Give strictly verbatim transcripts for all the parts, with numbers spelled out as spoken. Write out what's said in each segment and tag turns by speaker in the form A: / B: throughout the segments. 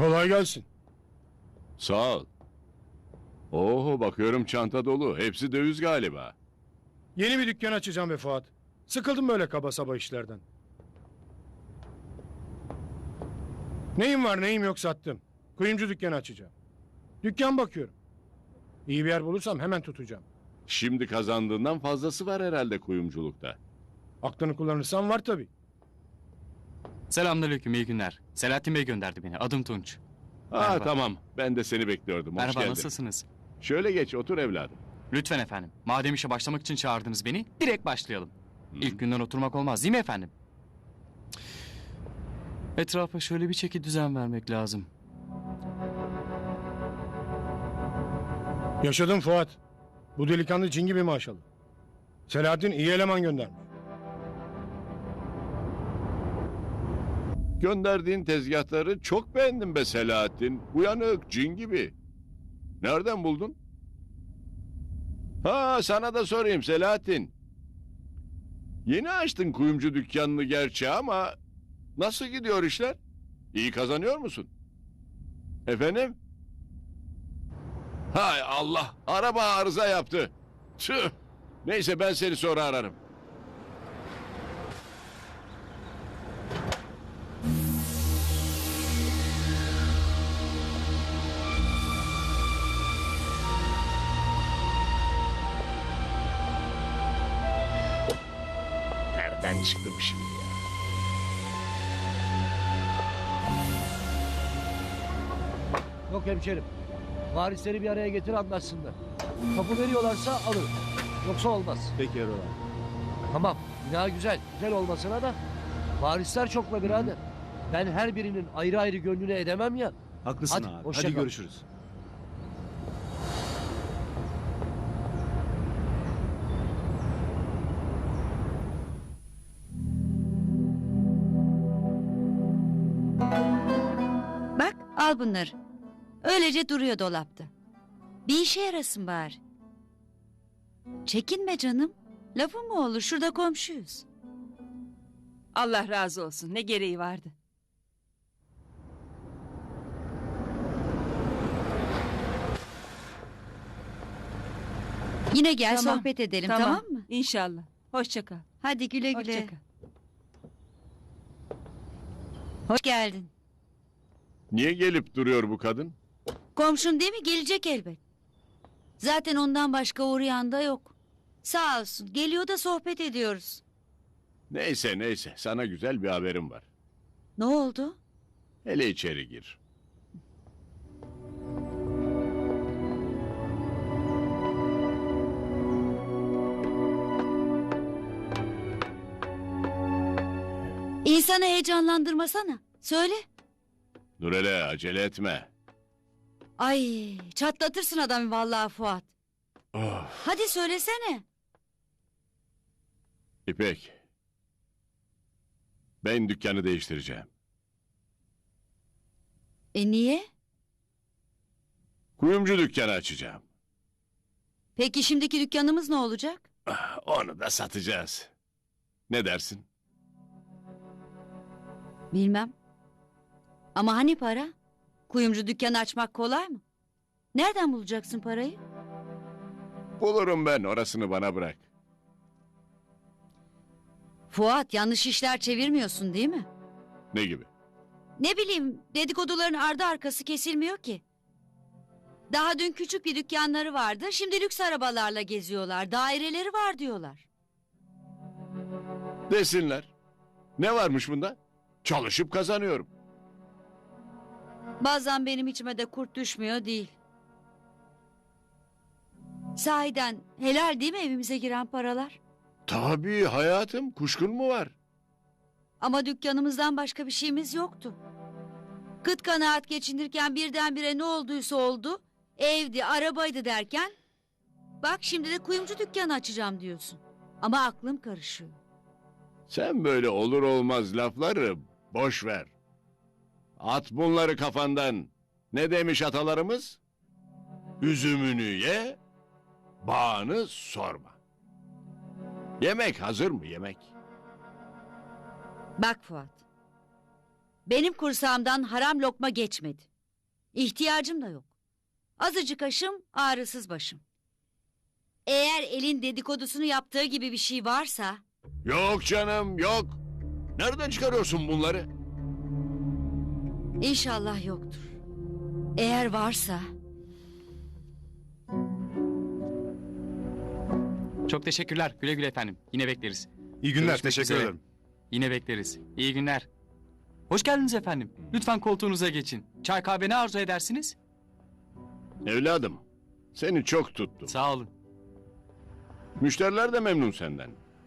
A: Kolay gelsin.
B: Sağ ol. Oho, bakıyorum çanta dolu. Hepsi döviz galiba.
A: Yeni bir dükkan açacağım be Fuat. Sıkıldım böyle kaba saba işlerden. Neyim var neyim yok sattım. Kuyumcu dükkanı açacağım. Dükkan bakıyorum. İyi bir yer bulursam hemen tutacağım.
B: Şimdi kazandığından fazlası var herhalde kuyumculukta.
A: Aklını kullanırsan var tabii.
C: Selamünaleyküm, iyi günler. Selahattin Bey gönderdi beni. Adım Tunç.
B: Ha
C: Merhaba.
B: tamam, ben de seni bekliyordum. Hoş
C: Merhaba,
B: geldin.
C: nasılsınız?
B: Şöyle geç, otur evladım.
C: Lütfen efendim. Madem işe başlamak için çağırdınız beni, direkt başlayalım. İlk günden oturmak olmaz değil mi efendim? Etrafa şöyle bir çeki düzen vermek lazım.
A: Yaşadım Fuat. Bu delikanlı cin gibi maşallah. Selahattin iyi eleman göndermiş.
B: Gönderdiğin tezgahları çok beğendim be Selahattin. Uyanık, cin gibi. Nereden buldun? Ha, sana da sorayım Selahattin. Yeni açtın kuyumcu dükkanını gerçi ama nasıl gidiyor işler? İyi kazanıyor musun? Efendim? Hay Allah, araba arıza yaptı. Tüh. Neyse, ben seni sonra ararım. Nereden çıktı bu şimdi ya?
D: Yok hemşerim. Varisleri bir araya getir anlaşsınlar. Kapı veriyorlarsa alır. Yoksa olmaz.
E: Peki Erol abi.
D: Tamam. Bina güzel. Güzel olmasına da varisler çok be birader. Ben her birinin ayrı ayrı gönlüne edemem ya.
E: Haklısın
D: Hadi,
E: abi.
D: hoşça
E: Hadi
D: kal.
E: görüşürüz.
F: Bak al bunları. Öylece duruyor dolapta. Bir işe yarasın bari. Çekinme canım. Lafı mı olur, şurada komşuyuz.
G: Allah razı olsun. Ne gereği vardı?
F: Yine gel
G: Tamam,
F: sohbet edelim tamam, mı?
G: İnşallah. Hoşça kal.
F: Hadi güle güle.
G: Hoşça kal.
F: Hoş geldin.
B: Niye gelip duruyor bu kadın?
F: Komşun değil mi? Gelecek elbet. Zaten ondan başka uğrayan da yok. Sağ olsun. Geliyor da sohbet ediyoruz.
B: Neyse neyse, sana güzel bir haberim var.
F: Ne oldu?
B: Hele içeri gir.
F: İnsanı heyecanlandırmasana. Söyle.
B: Nurele, acele etme.
F: Ay çatlatırsın adamı vallahi Fuat.
B: Of.
F: Hadi söylesene.
B: İpek. Ben dükkanı değiştireceğim.
F: E niye?
B: Kuyumcu dükkanı açacağım.
F: Peki şimdiki dükkanımız ne olacak?
B: Onu da satacağız. Ne dersin?
F: Bilmem. Ama hani para? Kuyumcu dükkanı açmak kolay mı? Nereden bulacaksın parayı?
B: Bulurum ben, orasını bana bırak.
F: Fuat yanlış işler çevirmiyorsun değil mi?
B: Ne gibi?
F: Ne bileyim dedikoduların ardı arkası kesilmiyor ki. Daha dün küçük bir dükkanları vardı. Şimdi lüks arabalarla geziyorlar. Daireleri var diyorlar.
B: Desinler. Ne varmış bunda? Çalışıp kazanıyorum.
F: Bazen benim içime de kurt düşmüyor değil. Sahiden helal değil mi evimize giren paralar?
B: Tabii hayatım, kuşkun mu var?
F: Ama dükkanımızdan başka bir şeyimiz yoktu. Kıt kanaat geçinirken birdenbire ne olduysa oldu. Evdi, arabaydı derken... Bak şimdi de kuyumcu dükkanı açacağım diyorsun. Ama aklım karışıyor.
B: Sen böyle olur olmaz lafları boş ver. At bunları kafandan. Ne demiş atalarımız? Üzümünü ye, bağını sorma. Yemek hazır mı yemek?
F: Bak Fuat. Benim kursağımdan haram lokma geçmedi. İhtiyacım da yok. Azıcık aşım, ağrısız başım. Eğer elin dedikodusunu yaptığı gibi bir şey varsa...
B: Yok canım yok. Nereden çıkarıyorsun bunları?
F: İnşallah yoktur. Eğer varsa...
C: Çok teşekkürler. Güle güle efendim. Yine bekleriz.
E: İyi günler,
C: Görüşmek
E: teşekkür
C: üzere.
E: ederim.
C: Yine bekleriz. İyi günler. Hoş geldiniz efendim. Lütfen koltuğunuza geçin. Çay kahve ne arzu edersiniz?
B: Evladım, seni çok tuttum.
C: Sağ olun.
B: Müşteriler de memnun senden.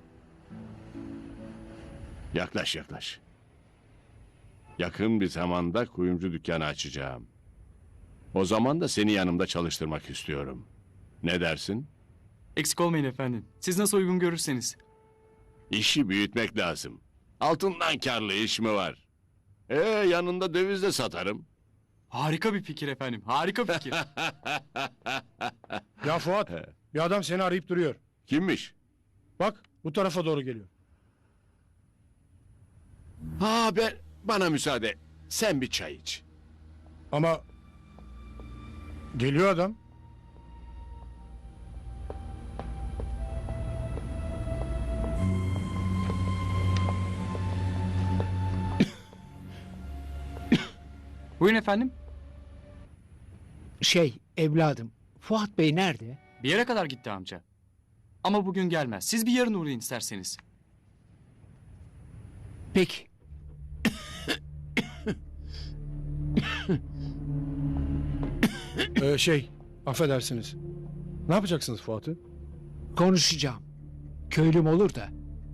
B: Yaklaş yaklaş. Yakın bir zamanda kuyumcu dükkanı açacağım. O zaman da seni yanımda çalıştırmak istiyorum. Ne dersin?
C: Eksik olmayın efendim. Siz nasıl uygun görürseniz.
B: İşi büyütmek lazım. Altından karlı iş mi var? Ee yanında döviz de satarım.
C: Harika bir fikir efendim. Harika fikir.
A: Ya Fuat, bir adam seni arayıp duruyor.
B: Kimmiş?
A: Bak bu tarafa doğru geliyor.
B: Ha ben bana müsaade. Sen bir çay iç.
A: Ama... Geliyor adam.
C: Buyurun efendim.
H: Şey evladım, Fuat Bey nerede?
C: Bir yere kadar gitti amca. Ama bugün gelmez. Siz bir yarın uğrayın isterseniz.
H: Peki.
A: Ee, şey, affedersiniz. Ne yapacaksınız Fuat'ı?
H: Konuşacağım. Köylüm olur da.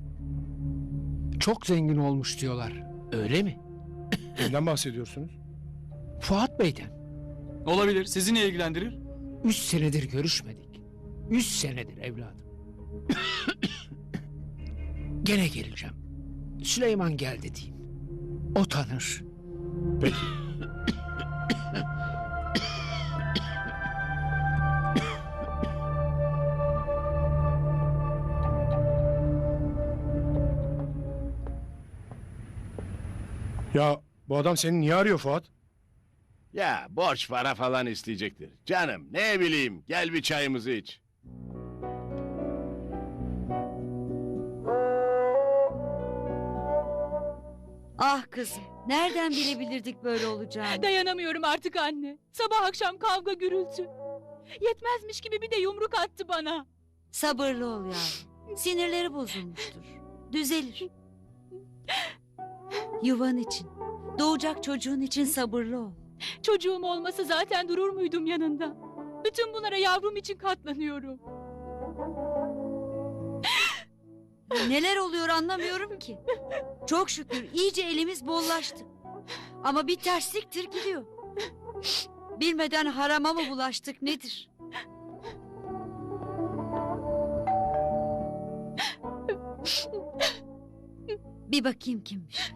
H: Çok zengin olmuş diyorlar. Öyle mi?
A: Kimden bahsediyorsunuz?
H: Fuat Bey'den.
C: Olabilir. Sizi ne ilgilendirir?
H: Üç senedir görüşmedik. Üç senedir evladım. Gene geleceğim. Süleyman geldi diyeyim. O tanır.
A: Peki. Ya bu adam seni niye arıyor Fuat?
B: Ya borç para falan isteyecektir. Canım ne bileyim gel bir çayımızı iç.
F: Ah kızım, nereden bilebilirdik böyle olacağını?
I: Dayanamıyorum artık anne. Sabah akşam kavga gürültü. Yetmezmiş gibi bir de yumruk attı bana.
F: Sabırlı ol yavrum. Sinirleri bozulmuştur. Düzelir. Yuvan için, doğacak çocuğun için sabırlı ol.
I: Çocuğum olmasa zaten durur muydum yanında? Bütün bunlara yavrum için katlanıyorum.
F: Neler oluyor anlamıyorum ki. Çok şükür iyice elimiz bollaştı. Ama bir tersliktir gidiyor. Bilmeden harama mı bulaştık nedir? Bir bakayım kimmiş.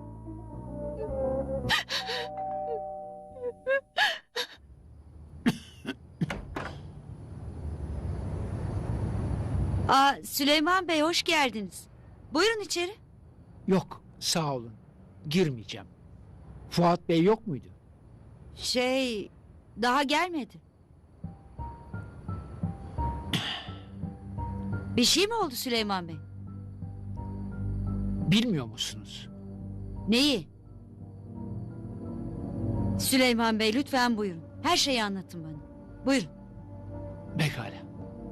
F: Aa, Süleyman Bey hoş geldiniz. Buyurun içeri.
H: Yok, sağ olun. Girmeyeceğim. Fuat Bey yok muydu?
F: Şey, daha gelmedi. Bir şey mi oldu Süleyman Bey?
H: Bilmiyor musunuz?
F: Neyi? Süleyman Bey lütfen buyurun. Her şeyi anlatın bana. Buyurun.
H: Pekala.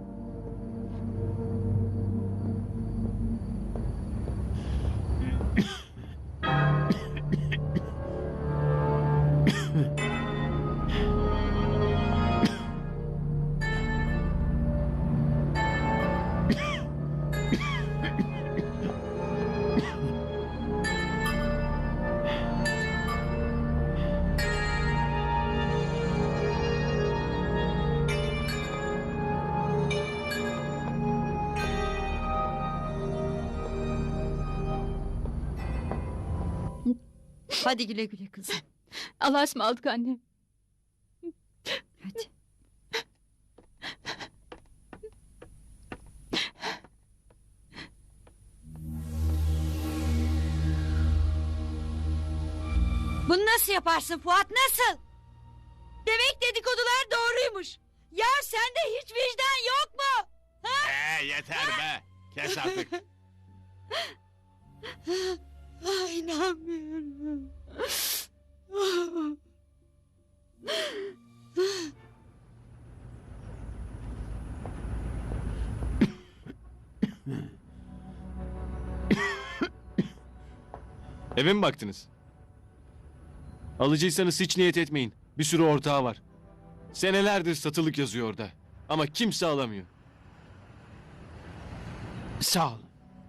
F: Hadi güle güle kızım.
I: Allah'a ısmarladık anne.
F: Hadi. Bunu nasıl yaparsın Fuat nasıl? dedikodular doğruymuş. Ya sende hiç vicdan yok mu?
B: Ee, yeter be. Kes artık.
F: Ay, inanmıyorum.
E: Eve mi baktınız? Alıcıysanız hiç niyet etmeyin. Bir sürü ortağı var. Senelerdir satılık yazıyor orada. Ama kimse alamıyor.
H: Sağ olun.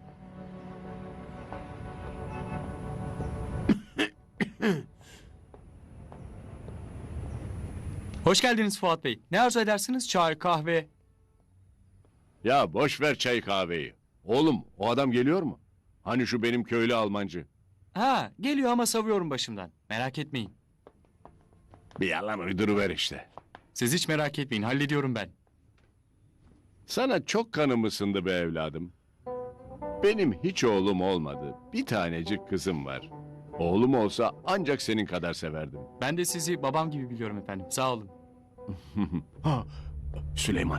C: Hoş geldiniz Fuat Bey. Ne arzu edersiniz? Çay, kahve.
B: Ya boş ver çay kahveyi. Oğlum o adam geliyor mu? Hani şu benim köylü Almancı.
C: Ha, geliyor ama savuyorum başımdan. Merak etmeyin.
B: Bir yalan uyduruver işte.
C: Siz hiç merak etmeyin. Hallediyorum ben.
B: Sana çok kanım ısındı be evladım. Benim hiç oğlum olmadı. Bir tanecik kızım var. Oğlum olsa ancak senin kadar severdim.
C: Ben de sizi babam gibi biliyorum efendim. Sağ olun.
B: Ha, Süleyman.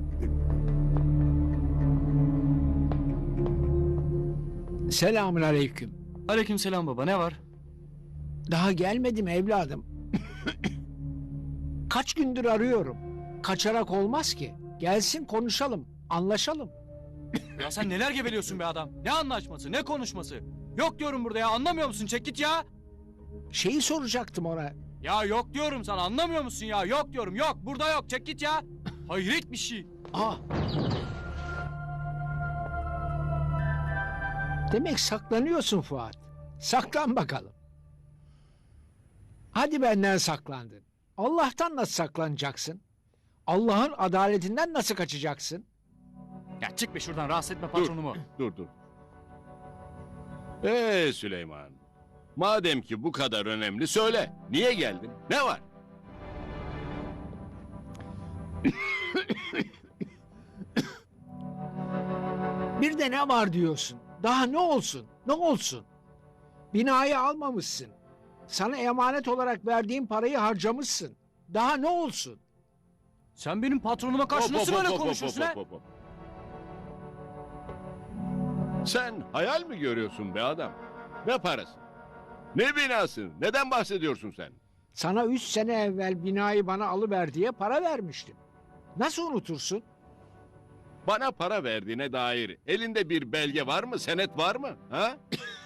H: Selamun aleyküm.
C: Aleykümselam baba. Ne var?
H: Daha gelmedim evladım. Kaç gündür arıyorum. Kaçarak olmaz ki. Gelsin konuşalım, anlaşalım.
C: Ya sen neler geveliyorsun be adam? Ne anlaşması, ne konuşması? Yok diyorum burada ya. Anlamıyor musun? Çek git ya.
H: Şeyi soracaktım ona.
C: Ya yok diyorum sana. Anlamıyor musun ya? Yok diyorum. Yok. Burada yok. Çek git ya. Hayret bir şey.
H: Aa. Demek saklanıyorsun Fuat. Saklan bakalım. Hadi benden saklandın. Allah'tan nasıl saklanacaksın? Allah'ın adaletinden nasıl kaçacaksın?
C: Ya çık be şuradan. Rahatsız etme patronumu.
B: Dur dur. Ee Süleyman. Madem ki bu kadar önemli söyle. Niye geldin? Ne var?
H: Bir de ne var diyorsun? Daha ne olsun? Ne olsun? Binayı almamışsın. Sana emanet olarak verdiğim parayı harcamışsın. Daha ne olsun?
C: Sen benim patronuma karşı
B: Hop,
C: nasıl
B: hop,
C: böyle
B: hop, hop,
C: konuşuyorsun
B: hop,
C: ha?
B: hop, hop. Sen hayal mi görüyorsun be adam? Ne parası? Ne binası? Neden bahsediyorsun sen?
H: Sana üç sene evvel binayı bana alıver diye para vermiştim. Nasıl unutursun?
B: Bana para verdiğine dair elinde bir belge var mı? Senet var mı? Ha?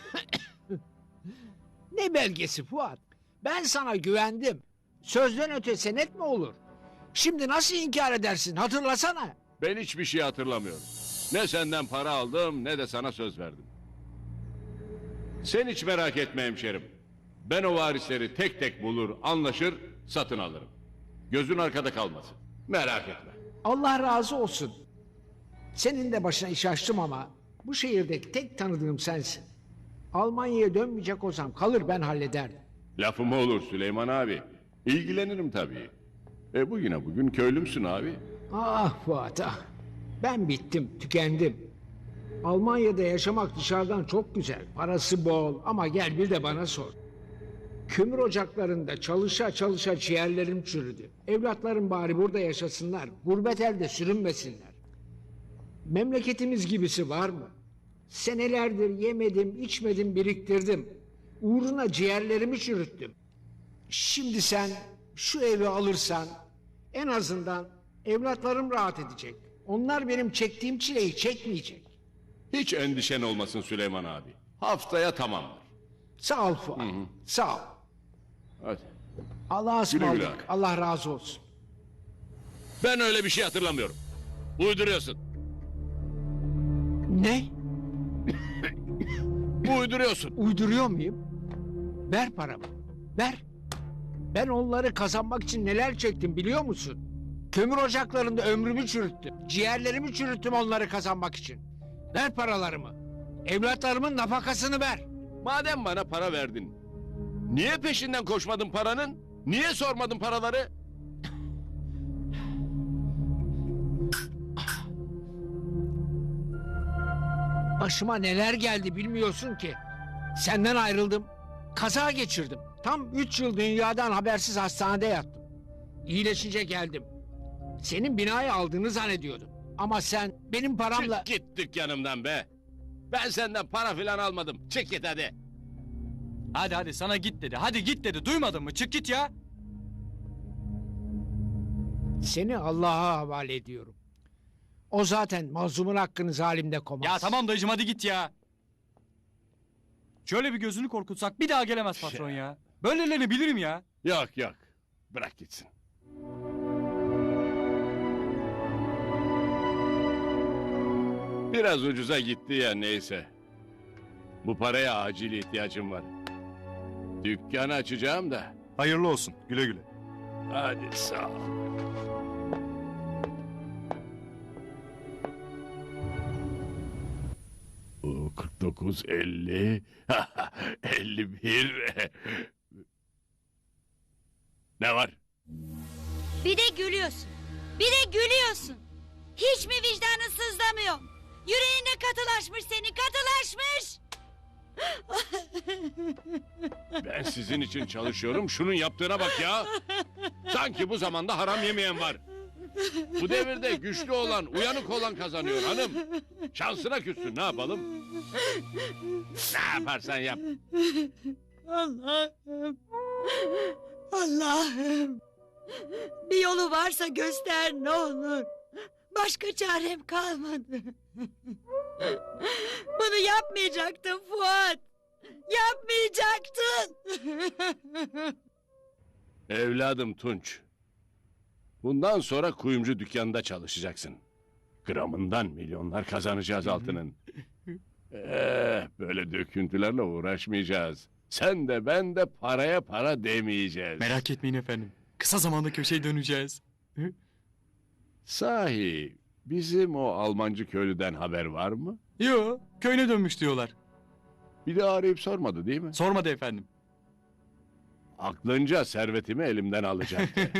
H: Ne belgesi Fuat? Ben sana güvendim. Sözden öte senet mi olur? Şimdi nasıl inkar edersin? Hatırlasana.
B: Ben hiçbir şey hatırlamıyorum. Ne senden para aldım ne de sana söz verdim. Sen hiç merak etme hemşerim. Ben o varisleri tek tek bulur, anlaşır, satın alırım. Gözün arkada kalmasın. Merak etme.
H: Allah razı olsun. Senin de başına iş açtım ama bu şehirdeki tek tanıdığım sensin. Almanya'ya dönmeyecek olsam kalır ben hallederdim.
B: Lafım olur Süleyman abi. İlgilenirim tabii. E bugüne bugün köylümsün abi.
H: Ah Fuat ah. Ben bittim, tükendim. Almanya'da yaşamak dışarıdan çok güzel. Parası bol ama gel bir de bana sor. Kömür ocaklarında çalışa çalışa ciğerlerim çürüdü. Evlatlarım bari burada yaşasınlar. Gurbet elde sürünmesinler. Memleketimiz gibisi var mı? Senelerdir yemedim, içmedim, biriktirdim. Uğruna ciğerlerimi çürüttüm. Şimdi sen şu evi alırsan en azından evlatlarım rahat edecek. Onlar benim çektiğim çileyi çekmeyecek.
B: Hiç endişen olmasın Süleyman abi. Haftaya tamamdır.
H: Sağ ol Fuat. Sağ ol.
B: Hadi.
H: Allah'a
B: Güle güle
H: ısmarladık.
B: abi.
H: Allah razı olsun.
B: Ben öyle bir şey hatırlamıyorum. Uyduruyorsun.
H: Ne?
B: Uyduruyorsun.
H: Uyduruyor muyum? Ver paramı. Ver. Ben onları kazanmak için neler çektim biliyor musun? Kömür ocaklarında ömrümü çürüttüm. Ciğerlerimi çürüttüm onları kazanmak için. Ver paralarımı. Evlatlarımın nafakasını ver.
B: Madem bana para verdin. Niye peşinden koşmadın paranın? Niye sormadın paraları?
H: Başıma neler geldi bilmiyorsun ki. Senden ayrıldım. Kaza geçirdim. Tam üç yıl dünyadan habersiz hastanede yattım. İyileşince geldim. Senin binayı aldığını zannediyordum. Ama sen benim paramla...
B: Çık git dükkanımdan be. Ben senden para filan almadım. Çık git hadi.
C: Hadi hadi sana git dedi. Hadi git dedi. Duymadın mı? Çık git ya.
H: Seni Allah'a havale ediyorum. O zaten mazlumun hakkını zalimde komaz.
C: Ya tamam dayıcım hadi git ya. Şöyle bir gözünü korkutsak bir daha gelemez patron ya. Böylelerini bilirim ya.
B: Yok yok. Bırak gitsin. Biraz ucuza gitti ya neyse. Bu paraya acil ihtiyacım var. Dükkanı açacağım da.
E: Hayırlı olsun. Güle güle.
B: Hadi sağ ol. O kırk dokuz, elli, elli bir. Ne var?
F: Bir de gülüyorsun. Bir de gülüyorsun. Hiç mi vicdanın sızlamıyor? Yüreğine katılaşmış senin, katılaşmış.
B: Ben sizin için çalışıyorum. Şunun yaptığına bak ya. Sanki bu zamanda haram yemeyen var. Bu devirde güçlü olan, uyanık olan kazanıyor hanım. Şansına küssün, ne yapalım? Ne yaparsan yap.
F: Allah'ım. Allah'ım. Bir yolu varsa göster ne olur. Başka çarem kalmadı. Bunu yapmayacaktın Fuat. Yapmayacaktın.
B: Evladım Tunç. Bundan sonra kuyumcu dükkanında çalışacaksın. Gramından milyonlar kazanacağız altının. Eh, böyle döküntülerle uğraşmayacağız. Sen de ben de paraya para demeyeceğiz.
C: Merak etmeyin efendim. Kısa zamanda köşeye döneceğiz.
B: Sahi bizim o Almancı köylüden haber var mı?
C: Yo köyüne dönmüş diyorlar.
B: Bir de arayıp sormadı değil mi?
C: Sormadı efendim.
B: Aklınca servetimi elimden alacaktı.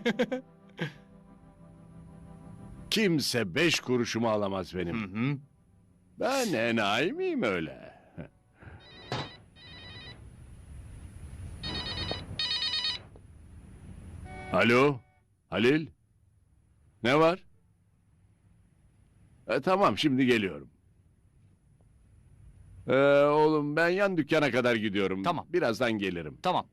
B: Kimse beş kuruşumu alamaz
C: Hı
B: benim.
C: hı.
B: Ben enayi miyim öyle? Alo, Halil? Ne var? E, tamam, şimdi geliyorum. Ee, oğlum ben yan dükkana kadar gidiyorum.
C: Tamam.
B: Birazdan gelirim.
C: Tamam.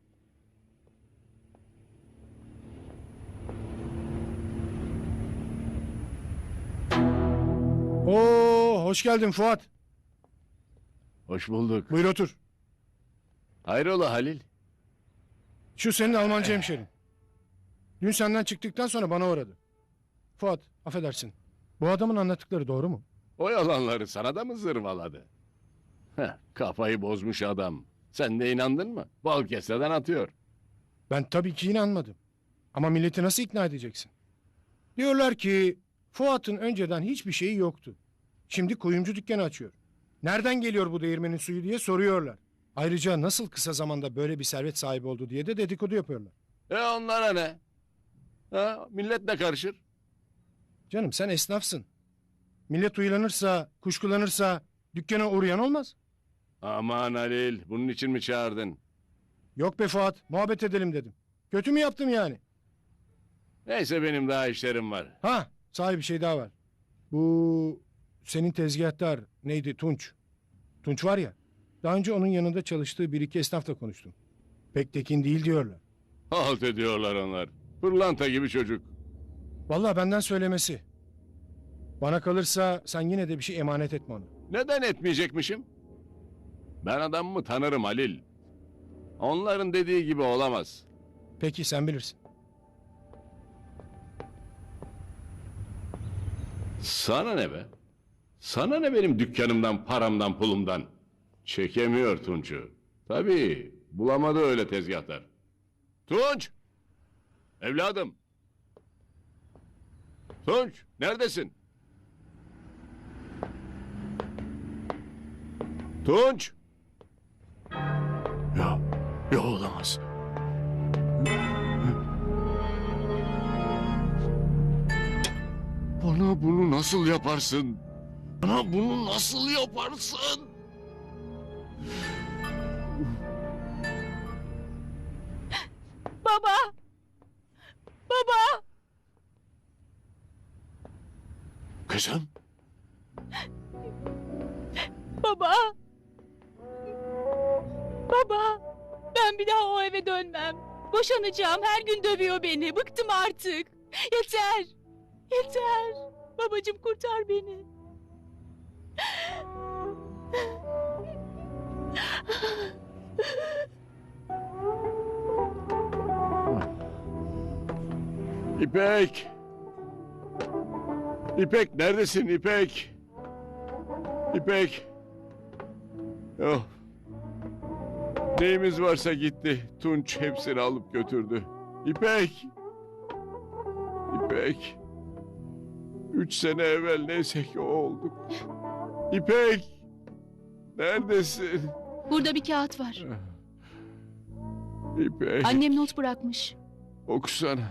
A: Oo, hoş geldin Fuat.
B: Hoş bulduk.
A: Buyur otur.
B: Hayrola Halil?
A: Şu senin Almanca hemşerin. Dün senden çıktıktan sonra bana uğradı. Fuat, affedersin. Bu adamın anlattıkları doğru mu?
B: O yalanları sana da mı zırvaladı? Heh, kafayı bozmuş adam. Sen de inandın mı? Bal keseden atıyor.
A: Ben tabii ki inanmadım. Ama milleti nasıl ikna edeceksin? Diyorlar ki Fuat'ın önceden hiçbir şeyi yoktu. Şimdi kuyumcu dükkanı açıyor. Nereden geliyor bu değirmenin suyu diye soruyorlar. Ayrıca nasıl kısa zamanda böyle bir servet sahibi oldu diye de dedikodu yapıyorlar.
B: E onlara ne? Ha, millet ne karışır?
A: Canım sen esnafsın. Millet uyanırsa, kuşkulanırsa dükkana uğrayan olmaz.
B: Aman Halil, bunun için mi çağırdın?
A: Yok be Fuat, muhabbet edelim dedim. Kötü mü yaptım yani?
B: Neyse benim daha işlerim var.
A: Ha, sahi bir şey daha var. Bu senin tezgahtar neydi Tunç? Tunç var ya. Daha önce onun yanında çalıştığı bir iki esnafla konuştum. Pek tekin değil diyorlar.
B: Halt ediyorlar onlar. Pırlanta gibi çocuk.
A: Vallahi benden söylemesi. Bana kalırsa sen yine de bir şey emanet etme ona.
B: Neden etmeyecekmişim? Ben adamımı tanırım Halil. Onların dediği gibi olamaz.
A: Peki sen bilirsin.
B: Sana ne be? Sana ne benim dükkanımdan, paramdan, pulumdan? Çekemiyor Tunç'u. Tabii, bulamadı öyle tezgahtar. Tunç! Evladım! Tunç, neredesin? Tunç! Ya, ya olamaz. Bana bunu nasıl yaparsın? Bana bunu nasıl yaparsın?
I: Baba! Baba!
B: Kızım.
I: Baba! Baba! Ben bir daha o eve dönmem. Boşanacağım. Her gün dövüyor beni. Bıktım artık. Yeter. Yeter. Babacığım kurtar beni.
B: İpek. İpek neredesin İpek? İpek. Oh. Neyimiz varsa gitti. Tunç hepsini alıp götürdü. İpek. İpek. Üç sene evvel neyse ki o olduk. İpek. Neredesin?
I: Burada bir kağıt var.
B: İpek.
I: Annem not bırakmış.
B: Okusana.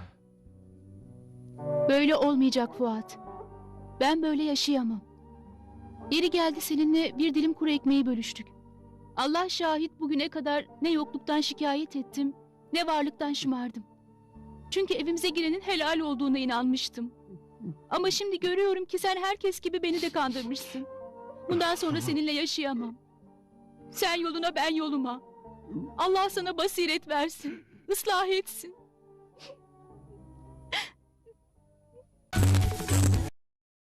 I: Böyle olmayacak Fuat. Ben böyle yaşayamam. Yeri geldi seninle bir dilim kuru ekmeği bölüştük. Allah şahit bugüne kadar ne yokluktan şikayet ettim, ne varlıktan şımardım. Çünkü evimize girenin helal olduğuna inanmıştım. Ama şimdi görüyorum ki sen herkes gibi beni de kandırmışsın. Bundan sonra seninle yaşayamam. Sen yoluna ben yoluma. Allah sana basiret versin, ıslah etsin.